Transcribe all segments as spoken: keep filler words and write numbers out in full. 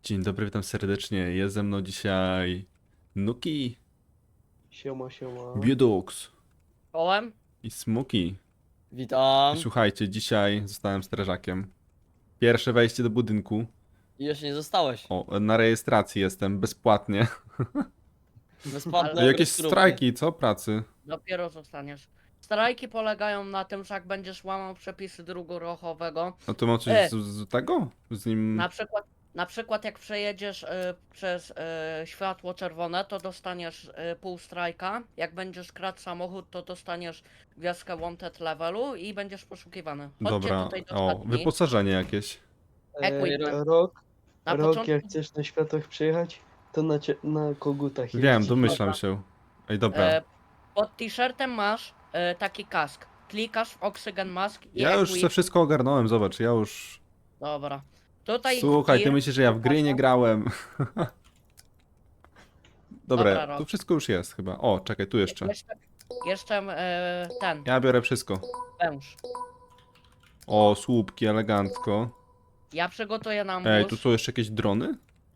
Dzień dobry, witam serdecznie. Jest ze mną dzisiaj Nuki, Siema, siema. Biodox Kołem? i Smoki. Witam. Słuchajcie, dzisiaj zostałem strażakiem. Pierwsze wejście do budynku. I jeszcze nie zostałeś. O, na rejestracji jestem, bezpłatnie. Bezpłatne Ale Jakieś grupy. strajki, co? Pracy? Dopiero zostaniesz. Strajki polegają na tym, że jak będziesz łamał przepisy drógu ruchowego, No to mam coś E. z, z tego? Z nim... na przykład, na przykład jak przejedziesz y, przez y, światło czerwone, to dostaniesz y, pół strajka. Jak będziesz kradł samochód, to dostaniesz gwiazdkę wanted levelu i będziesz poszukiwany. Chodźcie Dobra, tutaj do o, szatni. wyposażenie jakieś. Equip. E, rok, Na rok, początku, jak chcesz na światłach przejechać, to na, cie- na kogutach Wiem, jeździć. domyślam Dobra. się. Ej, dobra. e, pod t-shirtem masz e, taki kask. Klikasz w Oxygen Mask i Ja już equip. se wszystko ogarnąłem, zobacz, ja już... Dobra. Tutaj Słuchaj, ty tir- myślisz, że ja w gry nie grałem. Dobra, Dobra, Rok. tu wszystko już jest chyba. O, czekaj, tu jeszcze. Jeszcze, jeszcze e, ten, Ja biorę wszystko. węż. O, słupki, elegancko. Ja przygotuję nam Ej, wóz. tu są jeszcze jakieś drony?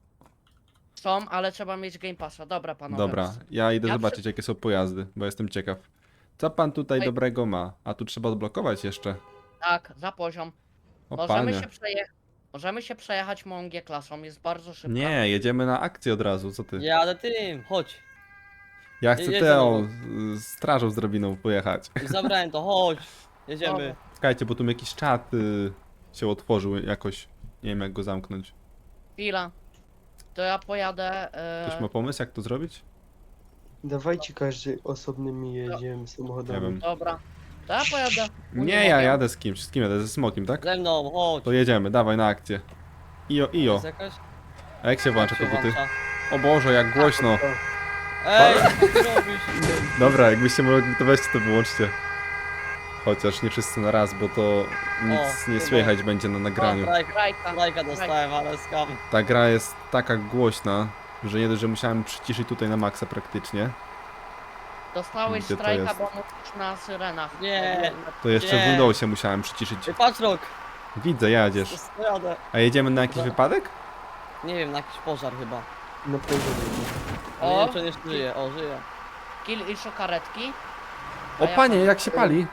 Są, ale trzeba mieć Game Passa. Dobra, panowie. Dobra, ja idę Ja zobaczyć, przy- jakie są pojazdy, bo jestem ciekaw. Co pan tutaj Ej. dobrego ma? A tu trzeba odblokować jeszcze. Tak, za poziom. O, Możemy panie. się, przeje... Możemy się przejechać mą G-klasą, jest bardzo szybka. Nie, jedziemy na akcję od razu, co ty? Jadę tym, chodź. Ja chcę jedź tę za o, mną. z strażą z drabiną pojechać. Już zabrałem to, chodź. Jedziemy. Czekajcie, bo tu mi jakiś czat y, się otworzył jakoś. Nie wiem, jak go zamknąć. Chwila. To ja pojadę... Ktoś E... ma pomysł, jak to zrobić? Dawajcie każdy osobnymi jedziemy Nie samochodami. wiem. Dobra. To ja pojadę. Nie, ja jadę z kimś. Z kim jadę? Ze Smokiem, tak? Ze mną, chodź. To jedziemy, dawaj na akcję. Ijo, ijo. Jest jakaś? A jak się włącza Jak się koguty? włącza? O Boże, jak głośno. O, Ej, co ty robisz? Dobra, jakbyście mogli to weźcie, to wyłączcie. Chociaż nie wszyscy na raz, bo to nic O, nie chyba. słychać będzie na O, nagraniu. strajka, Strajka. strajka dostałem, ale skam. Ta gra jest taka głośna, że nie dość, że musiałem przyciszyć tutaj na maksa praktycznie, Dostałeś Gdzie to strajka, jest? bo musisz na syrenach. Nie. to jeszcze w Nie. Windowsie musiałem przyciszyć. Ej, patrz rok. Widzę, jedziesz. Jadę. A jedziemy na jakiś No. wypadek? Nie wiem, na jakiś pożar chyba. na pewno. Ale O. nie wiem, czy nie żyje. O, żyje. Kill i szukaretki. O panie, jak się pali!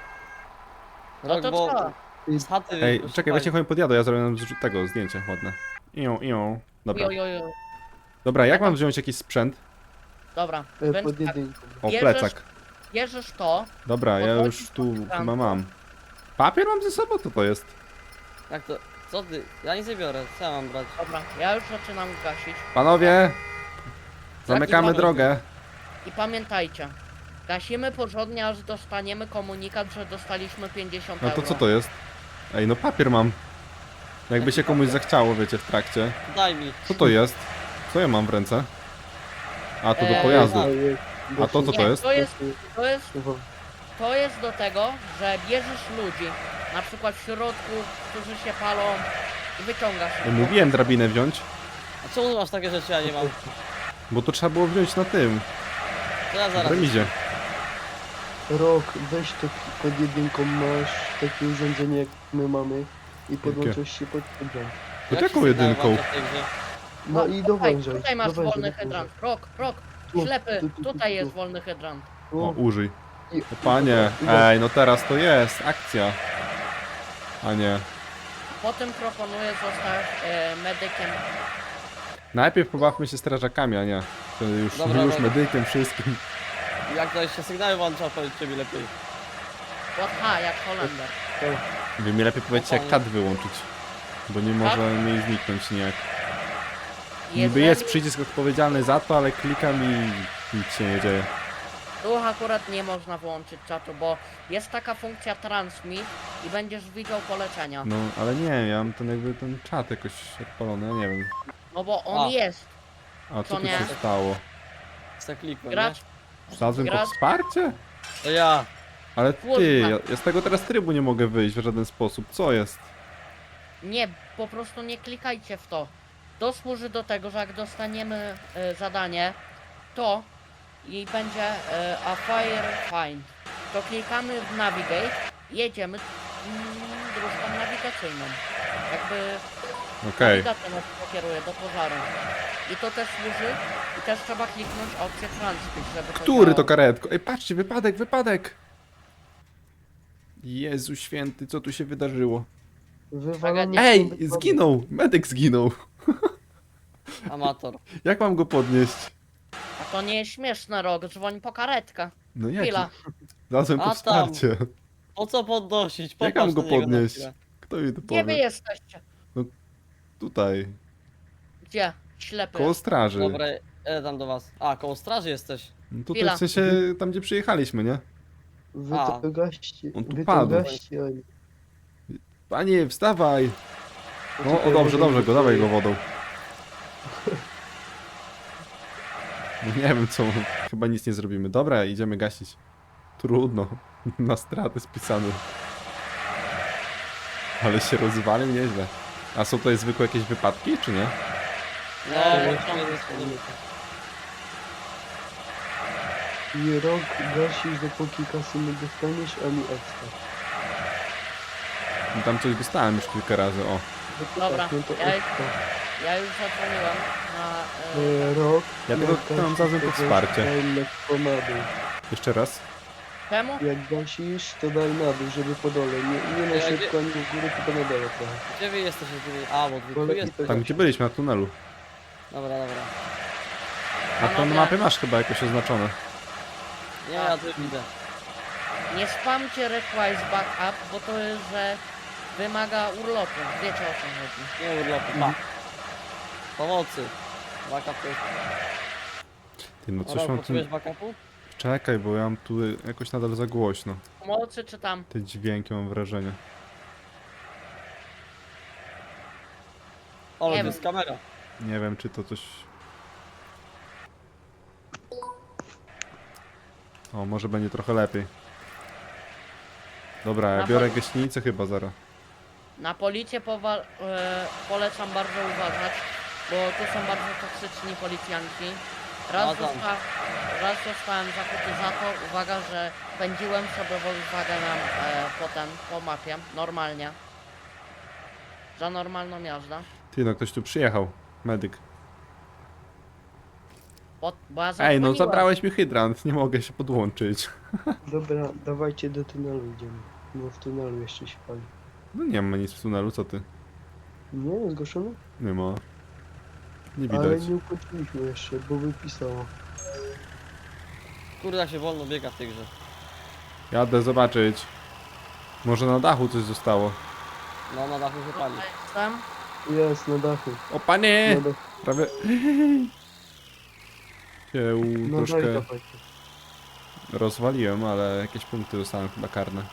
No Rok, to bo trzeba. z chaty... Ej, już czekaj, pali. weźcie chodź podjadę, ja zrobię nam z tego zdjęcie ładne. Ią, ią. Dobra, Jo, jo, jo. dobra, jak mam wziąć jakiś sprzęt? Dobra, E, więc pod tak, jedynką. O, Bierzesz- plecak. bierzesz to, Dobra, ja podchodzisz już do tu ekranku. chyba mam. Papier mam ze sobą? Co to jest? Jak to? Co ty? Ja nic nie biorę, co ja mam brać? dobra, ja już zaczynam gasić. Panowie! Zamykamy panowie? drogę. I pamiętajcie, gasimy porządnie, aż dostaniemy komunikat, że dostaliśmy pięćdziesiąt No euro. to co to jest? Ej, no papier mam. Jakby się komuś zachciało, wiecie, w trakcie. Daj mi. Co to jest? Co ja mam w ręce? A, to do Eee, pojazdu. To jest- A to co to Nie, jest? to jest, to jest, Wo- to jest do tego, że bierzesz ludzi, na przykład w środku, którzy się palą i wyciągasz Ja ich. mówiłem drabinę wziąć, A czemu masz takie rzeczy, ja nie mam? bo to trzeba było wziąć na tym, To ja w zaraz. remizie. Rok, weź to pod jedynką, masz takie urządzenie jak my mamy i podłączasz się pod hydrant. Pod Jak się jaką sygnał jedynką? włącza w tej grze? No i do tutaj, węża. tutaj masz do węża, wolny do węża. hydrant. Rok, rok, Tu, ślepy, tu, tu, tu, tutaj tu. jest wolny hydrant. Tu. O, użyj. I- O panie, i- ej, no teraz to jest, akcja. A nie. Potem proponuję zostać e, medykiem. Najpierw pobawmy się strażakami, a nie. To już, Dobra, już dobra. medykiem, wszystkim. Jak to jeszcze sygnały włącza, powiedzcie mi lepiej. Aha, jak Holender. Wy mi lepiej powiedzcie, jak kat wyłączyć. Bo nie może mi zniknąć nijak. Niby Jeżeli- jest przycisk odpowiedzialny za to, ale klikam i nic się nie dzieje. Tu akurat nie można włączyć czatu, bo jest taka funkcja transmit i będziesz widział polecenia. No, ale nie, ja mam ten jakby ten czat jakoś odpalony, ja nie wiem. No bo on A. jest. A co To tu nie. się stało? Tak klikłem, Gracz, Znalazłem po Gra- wsparcie? nie? To ja. Ale Kurwa. ty, ja, ja z tego teraz trybu nie mogę wyjść w żaden sposób. Co jest? nie, po prostu nie klikajcie w to. To służy do tego, że jak dostaniemy e, zadanie, to i będzie e, a fire find. To klikamy w navigate, jedziemy mm, dróżką nawigacyjną. Jakby Okej. Nawigacja nas pokieruje do pożaru. I to też służy, i też trzeba kliknąć opcję transport, żeby to Który to działało. karetko? Ej, patrzcie, wypadek, wypadek! Jezu święty, co tu się wydarzyło? Wywalony Ej, są wypadek. zginął! Medyk zginął. Amator. Jak mam go podnieść? A to nie jest śmieszne, Rok, dzwoń po karetkę. No jak? Chwila. Znalazłem A po tam. wsparcie. Po co podnosić? Jak Popatrz mam go na niego na podnieść? chwilę. Kto mi to Gdzie wy powie? jesteście? Tutaj. Gdzie? Ślepy. Koło straży. Dobra, jadę tam do was. A, koło straży jesteś. No tutaj Chwila. w sensie tam gdzie przyjechaliśmy, nie? Wy A. to gaście, On tu wy padł. to gaście, oni. Panie, wstawaj! No, o Czekaj, dobrze, może dobrze, go dawaj go tutaj- wodą. No nie wiem co, chyba nic nie zrobimy. Dobra, idziemy gasić. Trudno, na stratę spisany. Ale się rozwalił nieźle. A są tutaj zwykłe jakieś wypadki, czy nie? No, Eee, musimy tam- nie schodzimy. I rok gasisz, dopóki kasy nie dostaniesz, ani ekstra. No tam coś dostałem już kilka razy, o. No to Dobra, tak, no to ja- ekstra. Ja już zadzwoniłem na... E, E, rok, Ja tylko jak tam znalazłem gasisz, pod to wsparcie. daj lekko na dół. Jeszcze raz. czemu? Jak gasisz, to daj na dół, żeby po dole. Nie, nie na Ja szybko, ani w górę, tylko na dole trochę. Gdzie wy jesteście? Gdzie wy... A, bo wy tu Bo jest. lepiej Tam gdzie byliśmy, na tunelu. Dobra, dobra. A to na mapie masz chyba jakoś oznaczone. Nie, ja tu widzę. Nie spamcie request backup, bo to jest, że wymaga urlopu. Wiecie o co chodzi. Nie urlopu, pa. Pomocy. Backup to jest... Ty, no coś Dobra, mam tu... potrzebujesz backupu? Czekaj, bo ja mam tu jakoś nadal za głośno. Pomocy czy tam? Te dźwięki mam wrażenie. O, Nie to wiem. jest kamera. Nie wiem, czy to coś... O, może będzie trochę lepiej. Dobra, ja Na biorę po- gaśnicę chyba zaraz. Na policję powa- e, polecam bardzo uważać, bo tu są bardzo toksyczni policjanci. Raz, No tam. zosta- raz zostałem zakuty za to, uwaga, że pędziłem sobie Volkswagenem e, potem po mapie, normalnie. Za normalną jazdę. Ty, no ktoś tu przyjechał. Medyk. Bo, bo ja Ej, no zadzwoniłem. zabrałeś mi hydrant, nie mogę się podłączyć. Dobra, dawajcie do tunelu idziemy. No w tunelu jeszcze się pali. No nie ma nic w tunelu, co ty? Nie, zgłoszone? Nie ma. Nie Ale widać. nie ukończyliśmy jeszcze, bo wypisało. Kurde, jak się wolno biega w tej grze. Jadę zobaczyć. Może na dachu coś zostało. No, na dachu się pali. Tutaj jestem. Jest, na dachu. O panie! Na dachu. Prawie... się u- No daj, troszkę dawajcie. rozwaliłem, ale jakieś punkty dostałem chyba karne.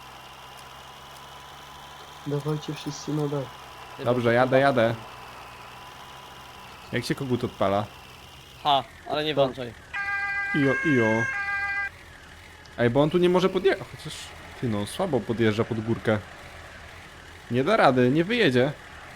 Dawajcie wszyscy na dach. Ty, Dobrze, bo- jadę, jadę. Jak się kogut odpala? Ha, ale nie włączaj. Ijo, ijo. Ej, bo on tu nie może podjechać. Chociaż, ty no, słabo podjeżdża pod górkę. Nie da rady, nie wyjedzie.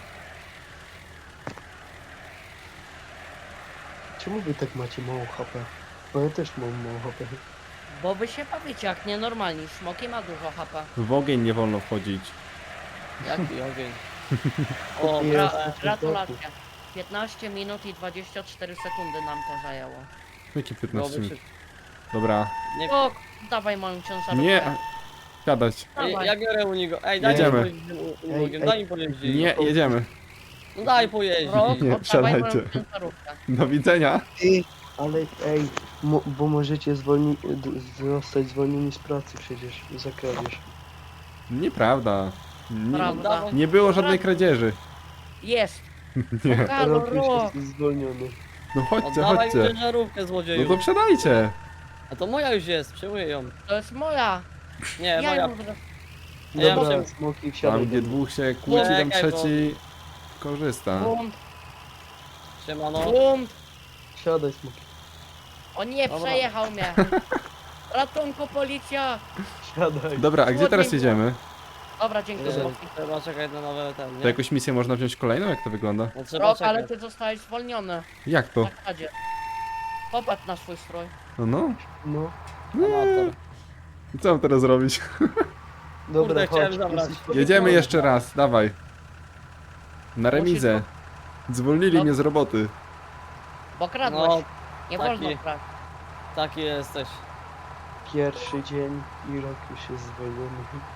Czemu wy tak macie mało H P? Bo ja też mam mało H P. Bo wy się bawicie jak nienormalni. Smoki ma dużo H P. W ogień nie wolno wchodzić. Jaki ogień. O, Jest. Gra na gratulacje. piętnaście minut i dwadzieścia cztery sekundy nam to zajęło. Jakie piętnaście byłoby minut? szybko. Dobra. Nie, O, dawaj moją ciężarówkę. Nie. Siadać. Ej, Dawaj. ja biorę u niego. Ej, daj Jedziemy. mi pojeździć u- u Ej, Nogiem, ej. daj mi pojeździć. Nie, jedziemy. No daj pojeździć. Rok, Nie, oddawaj moją wsiadajcie. ciężarówkę. Do widzenia. Ty, ale ej, mo, bo możecie zwolni, d- zostać zwolnieni z pracy przecież za kradzież. Nieprawda. Nie, Prawda. nie było żadnej kradzieży. Jest. Nie. Halo, Rok już rok. jest zwolniony. No chodźcie, Oddawaj mi chodźcie. ciężarówkę, No złodzieju. to wsiadajcie. A to moja już jest, przyjmuję ją. To jest moja. Nie, Ja moja. ją... Ja Dobra, muszę- smoki wsiadaj. Tam gdzie do mnie. dwóch się kłóci, tam Czekaj, bo- trzeci korzysta. Bunt, Siemano. bunt. Wsiadaj smoki. O nie, Dobra. przejechał mnie. Ratunku, policja. Wsiadaj. Dobra, a gdzie teraz jedziemy? Dobra, dzięki. Yy, Smoki. Trzeba czekać na nowe ten, To nie? jakąś misję można wziąć kolejną? Jak to wygląda? No trzeba Rok, czekać. ale ty zostałeś zwolniony. Jak to? Na kradzie. Popatrz na swój strój. No no. No. Amator. I co mam teraz robić? Dobra, Kurde, chciałem chodź. zabrać. jesteś- Jedziemy jeszcze raz, dawaj. Na remizę. Zwolnili No. mnie z roboty. Bo kradłeś. No, Nie taki. wolno kraść. Taki jesteś. Pierwszy dzień i rok już jest zwolniony.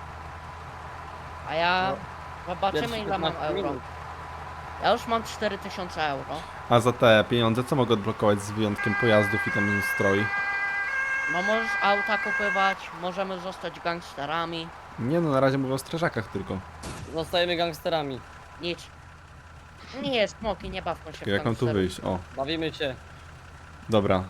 A ja... Zobaczymy Pierwszy ile mam piętnaście euro. minut. Ja już mam cztery tysiące euro. A za te pieniądze co mogę odblokować z wyjątkiem pojazdów i tam stroi? No możesz auta kupywać, możemy zostać gangsterami. Nie no, na razie mówię o strażakach tylko. Zostajemy gangsterami. Nic. Nie, smoki, nie bawmy się w Jak mam tu gangsterów. wyjść? O, Bawimy się. dobra.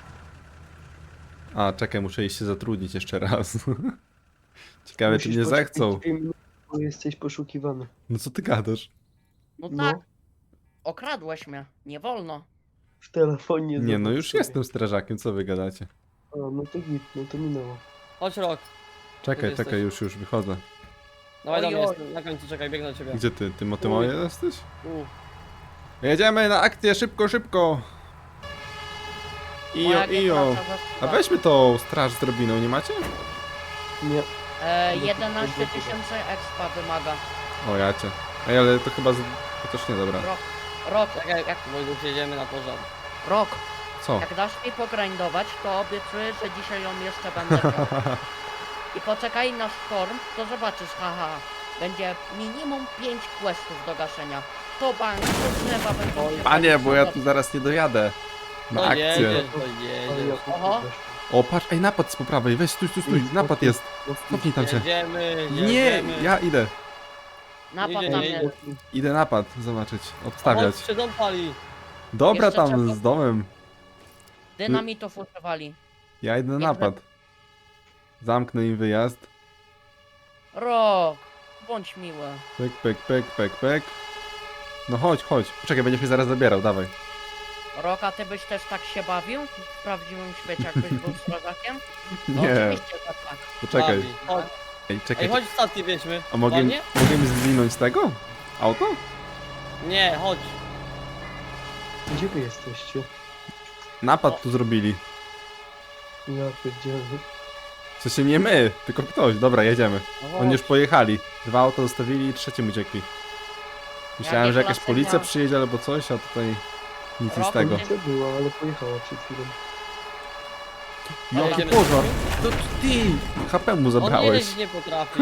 A, czekaj, muszę iść się zatrudnić jeszcze raz. Ciekawe, czy Musisz mnie poczekać zechcą. dwie minuty, bo jesteś poszukiwany. No co ty gadasz? No No. tak, okradłeś mnie, nie wolno. W telefonie. Nie, no zobacz już sobie. jestem strażakiem, co wy gadacie? A, no to git, no to minęło. Chodź rok. Czekaj, Gdzie czekaj, jesteś? już, już wychodzę. Dawaj do Oj, mnie, oj. jestem na końcu, czekaj, biegnę do ciebie. Gdzie ty? Ty motymoje jesteś? U. Jedziemy na akcję, szybko, szybko! Ijo, Moja ijo. praca A zaczyna. weźmy tą straż z drobiną, nie macie? Nie. E, jedenaście tysięcy expa wymaga. O, ja cię. Ej, ale to chyba z... Chociaż nie, dobra. Rok, rok, Czekaj, jak, Wojduch, jedziemy na pożar. rok. Co? Jak dasz mi pogrindować, to obiecuję, że dzisiaj ją jeszcze będę miał. I poczekaj na storm, to zobaczysz, haha. Będzie minimum pięć questów do gaszenia. To bank, to drzewa będą się Panie, bo ja tu palić. zaraz nie dojadę. Na To akcję. jedziesz, to Ale ja jedziesz. Oho. O, patrz, ej, napad z po prawej, weź, stój, stój, stój, napad jest. Cofnij tam się. Jedziemy, Nie, jedziemy. ja idę. Napad Jedzie, na jedzie. mnie. Idę napad zobaczyć, obstawiać. Chodź, się dom pali. Dobra Jeszcze tam trzeba- z domem. Dynamitów używali. Ja idę na Jak napad. Zamknę im wyjazd. Rok, bądź miły. Pek, pek, pek, pek, pek. No chodź, chodź. Poczekaj, będziesz mnie zaraz zabierał, dawaj. Rok, a ty byś też tak się bawił w prawdziwym świecie, jakbyś był strażakiem? No Nie, oczywiście, że tak. poczekaj. Bawi. Chodź. Ej, Ej, czekaj. chodź w statki wieźmy. A mogę, Ładnie? mogę mi zwinąć z tego? Auto? Nie, chodź. Gdzie wy jesteście? Napad tu zrobili. Ja pierdzielę. W sensie nie my, tylko ktoś. Dobra, jedziemy. No Oni chodź. już pojechali. Dwa auta zostawili i trzecim uciekli. Myślałem, Jakie że jakaś klasy policja miał? przyjedzie albo coś, a tutaj nic z Rok tego. nie- Policja była, ale pojechała przed chwilą. Ale Jaki jedziemy. pożar! To ty! H P mu On zabrałeś. jeździć nie potrafi.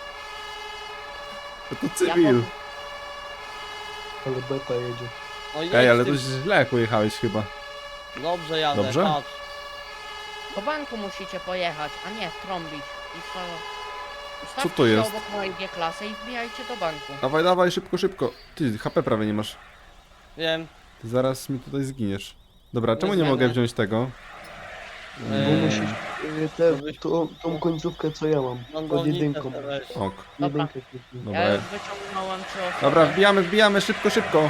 To cywil. Ale beta jedzie. No jedź Ej, ale tym- to źle pojechałeś chyba. Dobrze jadę, Dobrze? patrz. Do banku musicie pojechać, a nie trąbić. I co? Ustawcie Co to się jest? obok mojej G-klasy i wbijajcie do banku. Dawaj, dawaj, szybko, szybko. Ty, H P prawie nie masz. Wiem. Ty zaraz mi tutaj zginiesz. Dobra, Nie czemu nie zginę. mogę wziąć tego? Bo Eee, musisz y, te, tą, tą końcówkę co ja mam. Pod Mandolnicę jedynką. weź. Ok. Dobra. Jedynkę kliknij. Dobra. Ja już wyciągnąłem trzy osoby. Dobra, wbijamy, wbijamy, szybko, szybko.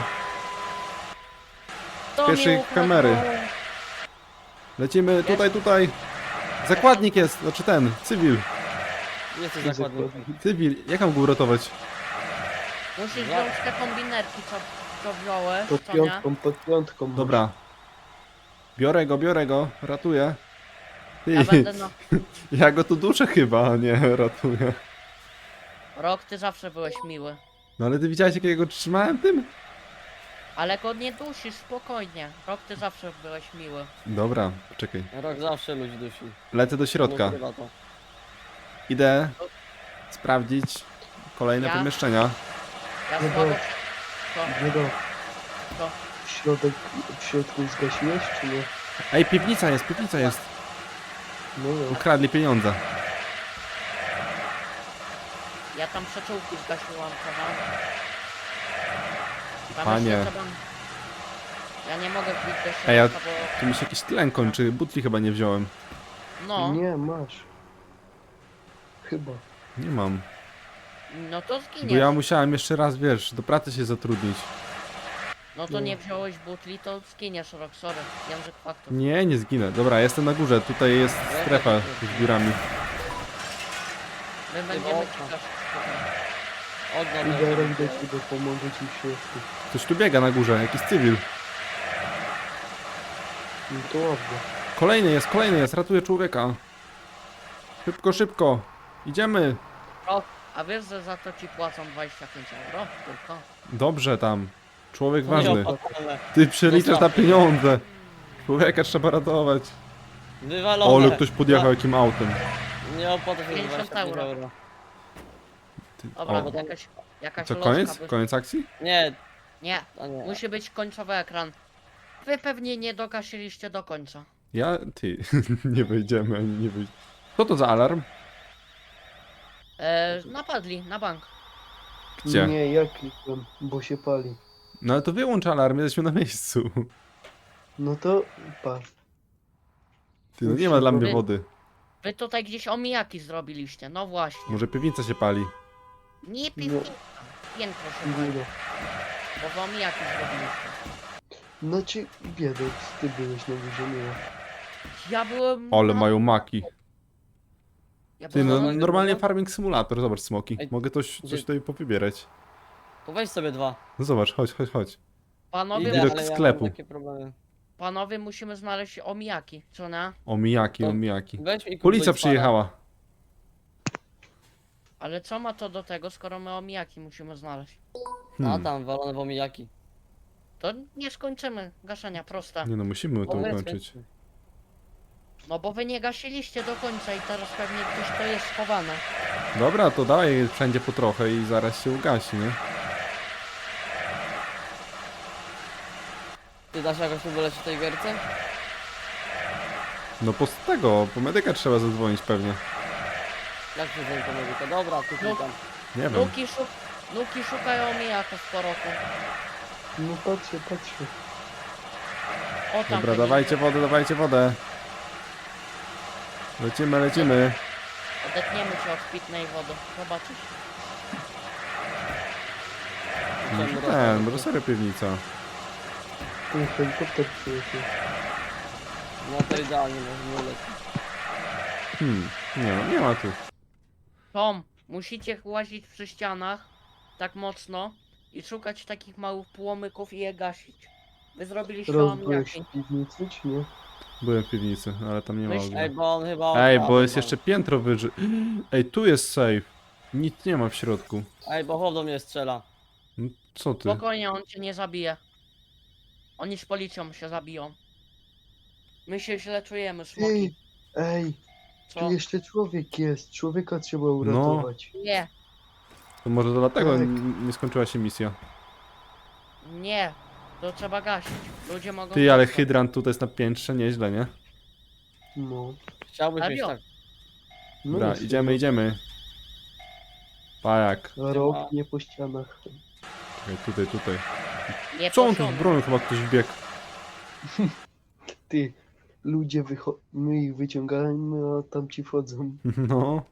Kto pierwszej mi ukradł kamery. moją- Lecimy tutaj, tutaj. Zakładnik jest, znaczy ten, cywil. Jesteś Zakładnik. zakładnikiem. Cywil, jak mam go uratować? Musisz Ja- wziąć te kombinerki, co, co wziąłeś, Pod co nie? piątką, pod piątką. masz. Dobra. Biorę go, biorę go, ratuję. Ty, Ja będę na... ja go tu duszę chyba, a nie ratuję. Rok, ty zawsze byłeś miły. No ale ty widziałeś jak ja go trzymałem tym? Ale go nie dusisz, spokojnie. Rok, ty zawsze byłeś miły. Dobra, poczekaj. Rok zawsze ludzi dusi. Lecę do środka. Ukrywa to. Idę sprawdzić kolejne Ja? pomieszczenia. Ja Nie słabo... było. Co? Nie do. Co? W środek, w środku zgasiłeś, czy nie? Ej, piwnica jest, piwnica jest. No no. Ukradli pieniądze. Ja tam przeczułki zgasiłam, prawda? Tam Panie. jeszcze trzeba... Ja nie mogę wbić do środka, Ej, ja- bo... Tu mi się jakiś tlen kończy, butli chyba nie wziąłem. No, Nie, masz. Chyba. Nie mam. no to Bo zginiesz. ja musiałem jeszcze raz, wiesz, do pracy się zatrudnić. No to nie wziąłeś butli, to zginiesz, Rok, sorry. Język faktów. Nie, nie zginę. Dobra, jestem na górze, tutaj jest strefa z biurami. My będziemy okna. ci gasić. Odno Idę rok do ciebie, pomogę ci w środku. Ktoś tu biega na górze, jakiś cywil. No to ładnie. Kolejny jest, kolejny jest, ratuję człowieka. Szybko, szybko. Idziemy. Rok, a wiesz, że za to ci płacą dwadzieścia pięć euro? Tylko. Dobrze tam. Człowiek To ważny. nieopłacalne. Ty przeliczasz na Zostawmy. pieniądze. Człowieka trzeba ratować. Wywalone. O, ale ktoś podjechał jakim autem. Nie opłaca się za pięćdziesiąt dwadzieścia pięć euro. euro. Ty, Dobra, o. jakaś, jakaś Co, lożka koniec? by- Koniec akcji? Nie, Nie, to nie. musi być końcowy ekran. Wy pewnie nie dogasiliście do końca. Ja, ty, nie wejdziemy ani nie wyjdziemy. Co to za alarm? E, napadli na bank. Gdzie? Nie, ja klikłem, bo się pali. No ale to wyłącz alarm, jesteśmy na miejscu. No to patrz. Ty, no nie ma dla mnie Wy- wody. Wy tutaj gdzieś omijaki zrobiliście, no właśnie. Może piwnica się pali. Nie piwnica, piętro się pali, Góra. bo wy omijaki zrobiliście. Znaczy, Biedox, ty byłeś na górze, nie ja. Ja byłem... Ale na- mają maki. Ja Ty, no byłem na- normalnie farming simulator, zobacz smoki. Ej, Mogę coś, coś gdzie- tutaj powybierać. To weź sobie dwa. No zobacz, chodź, chodź, chodź. Panowie, Idę, Widok ale ja sklepu. mam takie problemy. panowie musimy znaleźć omijaki, co na? Omijaki, To- omijaki. Weź mi kup Policja Wojtfara. przyjechała. Ale co ma to do tego, skoro my omijaki musimy znaleźć? A Hmm. tam, walone w omijaki. To nie skończymy gaszenia, proste. Nie no, musimy to Powiedz, ukończyć. więc- No bo wy nie gasiliście do końca i teraz pewnie gdzieś to jest schowane. Dobra, to daj wszędzie po trochę i zaraz się ugasi, nie? Ty dasz jakoś tu wylecieć w tej gierce? No po z tego, po medyka trzeba zadzwonić pewnie. Jak się dzwoni po medyka? Dobra, tu No. klikam. Nie wiem. Nuki, szuk Nuki szukają omijaków po roku. No patrzę, patrzę. O tam. Dobra, te dawajcie wodę, dawajcie wodę. Lecimy, lecimy. Odetniemy cię od pitnej wody. Zobaczysz. No Czemu to ten, rozmawiamy? może serio piwnica. Ten helikopter przyjechał. No to idealnie, może nie lecieć. Hmm, nie no, nie ma tu. Tom, musicie łazić przy ścianach tak mocno i szukać takich małych płomyków i je gasić. Wy zrobiliście Rozbyłeś omijaki. w piwnicy, czy nie? Byłem w piwnicy, ale tam nie ma Myśl- ognia. Ej, bo on chyba... Ej, okradł bo jest nam. jeszcze piętro wyżej. Ej, tu jest safe. Nic nie ma w środku. Ej, bo chłop do mnie strzela. No, co ty? Spokojnie, on cię nie zabije. Oni z policją się zabiją. My się źle czujemy, smoki. Ej, ej, Co? tu jeszcze człowiek jest. Człowieka trzeba uratować. Nie, To może dlatego Tak. n- nie skończyła się misja. nie. To trzeba gasić. Ludzie mogą... Ty, ale zostać. hydrant tutaj jest na piętrze, nieźle, nie? No. Chciałbyś mieć Serio? tak. No Dobra, jest, idziemy, idziemy. Pajak. Rok nie po ścianach. Czekaj, tutaj, tutaj. Nie Co on tu poszło. z bronią? Chyba ktoś wbiegł. Ty, ludzie wycho... My ich wyciągamy, a tam ci wchodzą. No.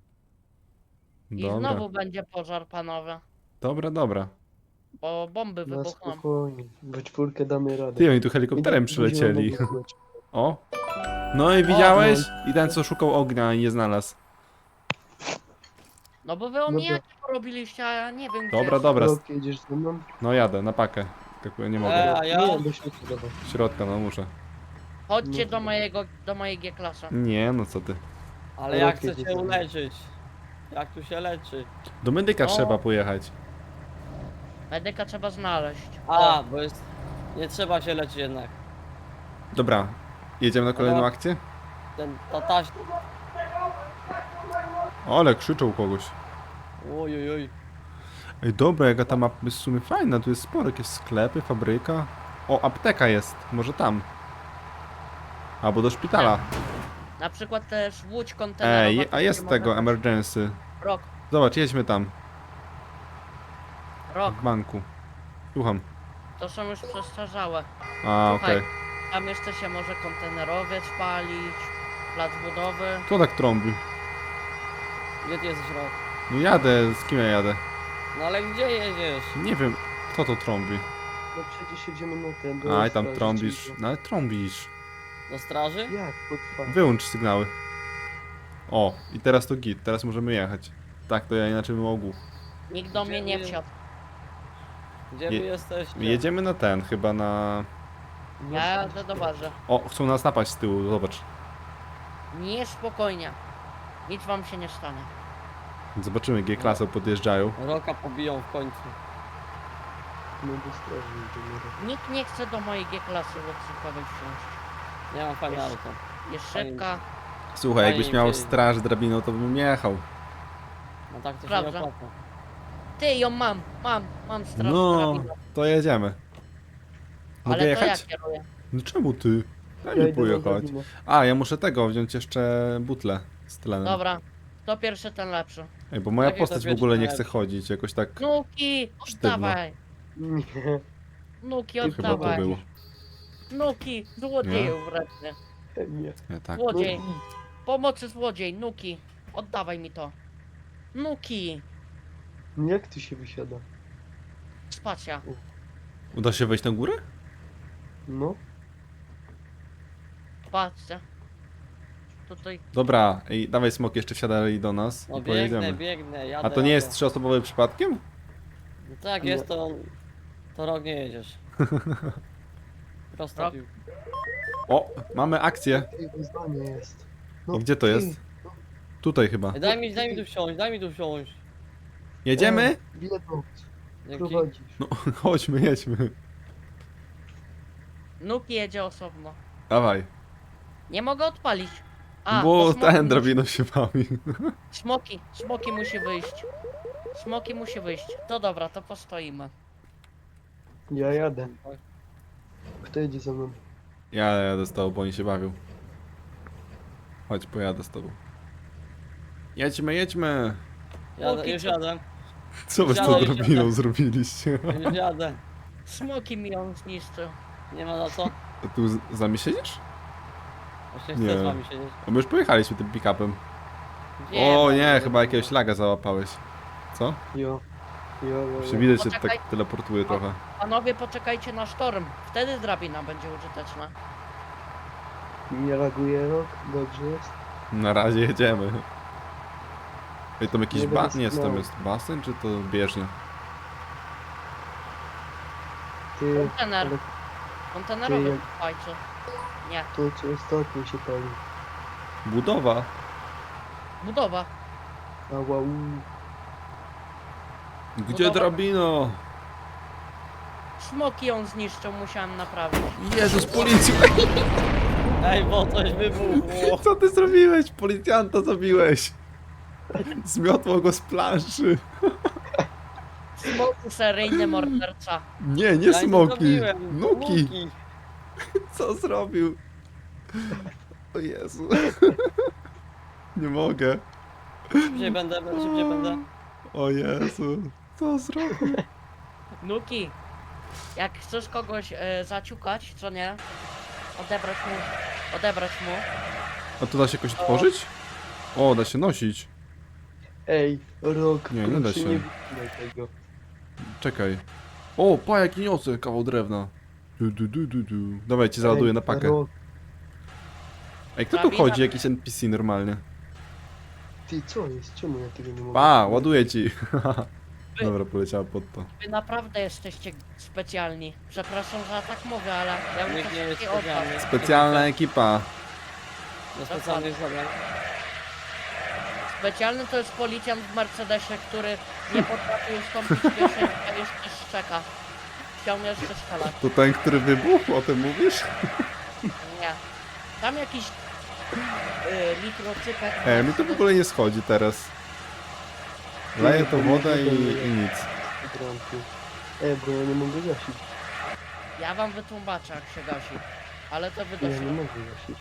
I Dobra, znowu będzie pożar, panowie. dobra, dobra. Bo bomby Na wybuchną. spokojnie. We czwórkę damy radę. Ty, oni tu helikopterem Będzie- będzie przylecieli. mogło być. O. No i widziałeś? no. I ten, co szukał ognia i nie znalazł. No bo wy omijaki porobiliście, a ja nie wiem gdzie Dobra, jest. dobra. Rok, jedziesz ze mną? No jadę, na pakę. Tak nie mogę. Ej, a ja... Nie, do środka dawaj. Środka, no muszę. Chodźcie No. do mojego, do mojej G-klasy. Nie, no co ty. Ale jak Rokiet chcę cię jest. uleczyć? Jak tu się leczy? Do medyka O. trzeba pojechać. Medyka trzeba znaleźć. A, bo jest... Nie trzeba się leczyć jednak. Dobra, jedziemy na kolejną Dobra. akcję? Ten, ta taś... Ale krzyczą kogoś. Oj, oj, oj. Ej, dobra, jaka ta mapa jest w sumie fajna. Tu jest sporo, jakieś sklepy, fabryka. O, apteka jest, może tam. Albo do szpitala. Na przykład też łódź kontenerowa. Ej, a gdzie jest tego, możemy- emergency. Rok, Zobacz, jedźmy tam, rok. w banku. Słucham. To są już przestarzałe. A, Słuchaj. okej. Tam jeszcze się może kontenerowiec palić, plac budowy. Kto tak trąbi? Gdzie ty jesteś, Rok? No jadę, z kim ja jadę? No ale gdzie jedziesz? Nie wiem, kto to trąbi. No przecież jedziemy na ten. do Aj, tam straży trąbisz. cicho. No ale trąbisz. Do straży? Jak potrwa? Wyłącz sygnały. O, i teraz to git, teraz możemy jechać. Tak, to ja inaczej bym mógł. Nikt do mnie nie Gdzie- wsiadł. Gdzie wy Je- jesteście? Jedziemy na ten, chyba na... Ja jadę do bazy. O, chcą nas napaść z tyłu, zobacz. Nie, spokojnie. Nic wam się nie stanie. Zobaczymy, G-klasę podjeżdżają. Roka pobiją w końcu. No do straży idziemy. Nikt nie chce do mojej G-klasy łańcuchowej wsiąść. Ja mam fajne Jest. auto. Jest Fajnie. szybka. Słuchaj, Fajnie jakbyś miał dzieje. straż drabiną, to bym jechał. No tak to się Prawda. nie opłaca. Ty ją mam, mam, mam straż No, drabinę. to jedziemy. Mogę Ale to ja jechać? kieruję. No czemu ty? Daj Ja mi idę na pojechać. drabinę. A, ja muszę tego, wziąć jeszcze butlę z tlenem. Dobra. Kto pierwszy, ten lepszy. Ej, bo moja Jakie to postać w wiesz, ogóle nie to chce chodzić, jakoś tak... Nuki, Sztywno. oddawaj. Nie. Nuki, I chyba to oddawaj. było. Nuki, złodzieju wredny. Nie. Nie, tak. Złodziej. No Pomocy złodziej, Nuki. Oddawaj mi to. Nuki. i jak tu się wysiada? Spacja. Uda się wejść na górę? No. Patrzcie. Tutaj. Dobra, ej, dawaj smok, jeszcze wsiadaj do nas No i biegnę, pojedziemy. biegnę, jadę. A to nie jest jadę. trzyosobowy przypadkiem? No tak Nie. jest, to... To rok nie jedziesz. Prosta Rok? piłka. O, mamy akcję. Ej, wyzwanie jest. No, I gdzie to ty. jest? Tutaj chyba. Ej, Daj mi, daj mi tu wsiąść, daj mi tu wsiąść. Jedziemy? E, Biedą. Dzięki. Prowadzisz. No, chodźmy, jedźmy. Nuki jedzie osobno. Dawaj. Nie mogę odpalić. A, Bo bo smoki ten musi- drabiną się bawi. Smoki, smoki musi wyjść. Smoki musi wyjść. To dobra, to postoimy. Ja jadę. Kto jedzie ze mną? Ja jadę z tobą, bo oni się bawią. Chodź, pojadę z tobą. Jedźmy, jedźmy. Jadę, Póki już co- jadę. Co wy z tą Wsiadaj, drabiną wsiadaj. zrobiliście? Już jadę. Smoki mi ją zniszczył. Nie ma na co. A tu z, z nami siedzisz? Właśnie Nie. chcę z wami siedzieć. A my już pojechaliśmy tym pick-upem. Nie, O no, nie, chyba jakiegoś laga załapałeś. Co? Jo. Jo, jo, Się jo. widać, że Poczekaj. tak teleportuje trochę. Panowie, poczekajcie na sztorm. Wtedy drabina będzie użyteczna. Nie reaguje rok? Dobrze jest? Na razie jedziemy. Ej, tam jakiś Nie ba... będę Nie, co tam sygnału. jest? Basen czy to bieżnia? Ty, Kontener. ale Kontenerowy Ty- fajczy. Nie, to co ostatnio się pali. Budowa. budowa. Ała, u. Gdzie Budowa. drabino? Smoki ją zniszczą, musiałem naprawić. Jezus, policja! Ej, bo coś wybuchło. Co ty zrobiłeś? Policjanta zabiłeś! Zmiotło go z planszy. Smoki seryjny morderca. Nie, nie Ja smoki. zrobiłem. Nuki. Co zrobił? O Jezu. Nie mogę. Szybciej będę, szybciej będę. O Jezu. Co zrobił? Nuki, jak chcesz kogoś e, zaciukać, co nie? Odebrać mu, odebrać mu. A to da się jakoś otworzyć? O, da się nosić. Ej, rok, Nie, nie da proszę się. nie wycinaj tego. Czekaj. O, pa, jaki niosę kawał drewna. Du, du, du, du, du. Dawajcie, załaduję Ej, na pakę. Rok, Ej, kto tu Drabina. chodzi? Jakiś N P C normalnie. ty co jest? Czemu ja tego nie mogę? Pa, ładuję ci. Dobra, poleciała pod to. Wy naprawdę jesteście specjalni. Przepraszam, że ja tak mówię, ale ja bym Nikt nie jest coś takiego oddał. specjalny. Specjalna ekipa. Do specjalnych zadań. Specjalny to jest policjant w Mercedesie, który nie potrafi ustąpić pierwszej, a jeszcze szczeka. Chciał mnie jeszcze strzelać. To ten, który wybuchł, o tym mówisz? Nie. Tam jakiś yy, mikrocypek. Ej, mi to w ogóle nie schodzi teraz. Leję to wodę i, i nic. Bramki. Ej, bo ja nie mogę gasić. Ja wam wytłumaczę, jak się gasi. Ale to wy Ja nie doszło. mogę gasić.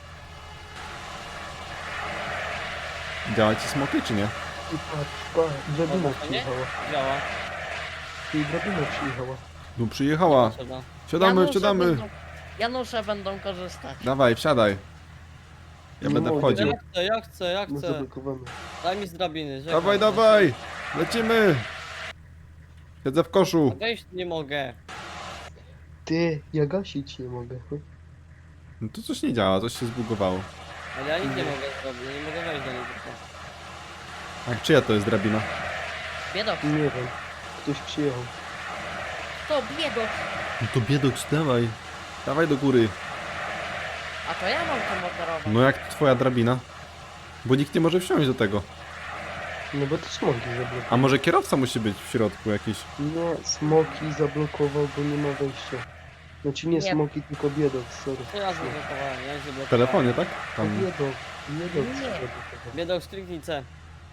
Działa ci smoki, czy nie? I patrz, patrz, drabina Dobra, to nie? przyjechała. Działa. I drabina przyjechała. No przyjechała. Potrzeba. Wsiadamy, Janusze wsiadamy. Będą, Janusze będą korzystać. Dawaj, wsiadaj. Ja Nie będę mogę. wchodził. Ja chcę, ja chcę, ja No chcę. zablokowane. Daj mi z drabiny. żegnam. Dawaj, dawaj! Lecimy! Siedzę w koszu. Wejść nie mogę. Ty, ja gasić nie mogę. No to coś nie działa, coś się zbugowało. Ale ja nic nie mogę zrobić, ja nie mogę wejść do niej tylko. A czyja to jest drabina? Biedok. Nie wiem. Ktoś przyjechał. To biedok. No to biedoks, dawaj. Dawaj do góry. A to ja mam to moderować. No jak twoja drabina? Bo nikt nie może wsiąść do tego. No bo to smoki zablokował. A może kierowca musi być w środku jakiś? Nie, smoki zablokował, bo nie ma wejścia. Znaczy nie, Nie. smoki, tylko biedok, sorry. To ja zablokowałem, ja nie W zablokowałem. telefonie, tak? A Tam. biedok, biedok Nie. zablokował. Biedok stricnice.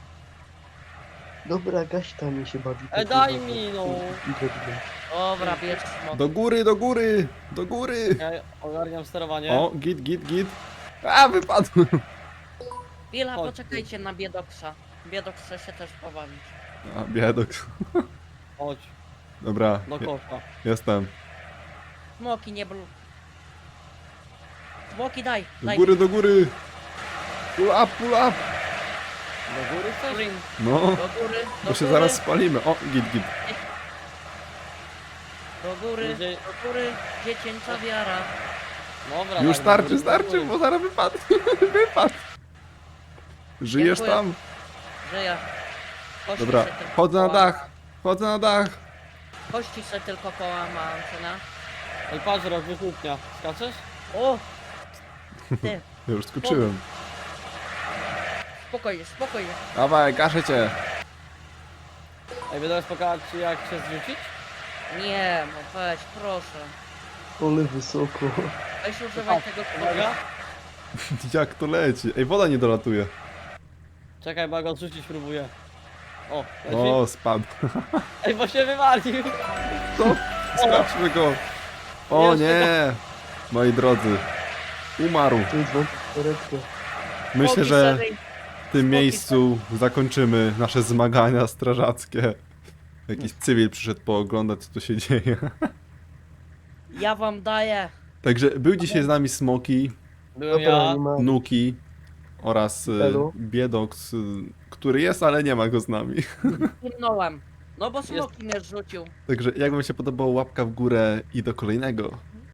Dobra, gaś tam mi się bawi. E, tak daj kurwa, mi, no. Idę, idę. Dobra, bierz smok. Do góry, do góry! Do góry! Ja ogarniam sterowanie. O, git, git, git. A, wypadłem! Chwila, Chodź. poczekajcie na biedoksa. Biedok chce się też pobawić. A, biedok. Chodź, Dobra, do je- kosza. jestem. Smoki nie blu... Smoki daj, Do daj. góry, do góry! Pull up, pull up! Do góry chcesz? Green. No, Do góry, do bo się góry, zaraz spalimy. O, git, git. do góry, Będzie- do góry, dziecięca wiara. Dobra, Już tak, do starczy, góry, do starczy, góry. bo zaraz wypadł. Wypadł. Żyjesz Dziękuję. tam? Że ja. Kości Dobra, se tylko chodzę na połam- dach. Chodzę na dach. Kości se tylko połamałem, co na? Ej, patrz, rok wychłupnia. Skaczesz? O! Ty, Ja już skoczyłem. spokojnie, spokojnie. Dawaj, gaszę cię. Ej, będę pokazać ci jak się zrzucić? Nie, no weź, proszę. Ale wysoko. Weź używaj tego Uwaga. Jak to leci? Ej, woda nie dolatuje. Czekaj, bo ja go odrzucić próbuję. O, leci. O, spadł. Ej, bo się wywalił. Co? Sprawdźmy go. O Jeszcze nie. Moi drodzy. Umarł. To jest wam karetkę. Myślę, Smoki że seryj- w tym miejscu zakończymy nasze zmagania strażackie. Jakiś cywil przyszedł pooglądać, co tu się dzieje. Ja wam daję. Także był dzisiaj z nami Smoki, Byłem Dobra, ja. nie ma. Nuki oraz e, Elo. Biedox, e, który jest, ale nie ma go z nami. Zimnąłem. No bo smoki mnie zrzucił. Także jak wam się podobało, łapka w górę i do kolejnego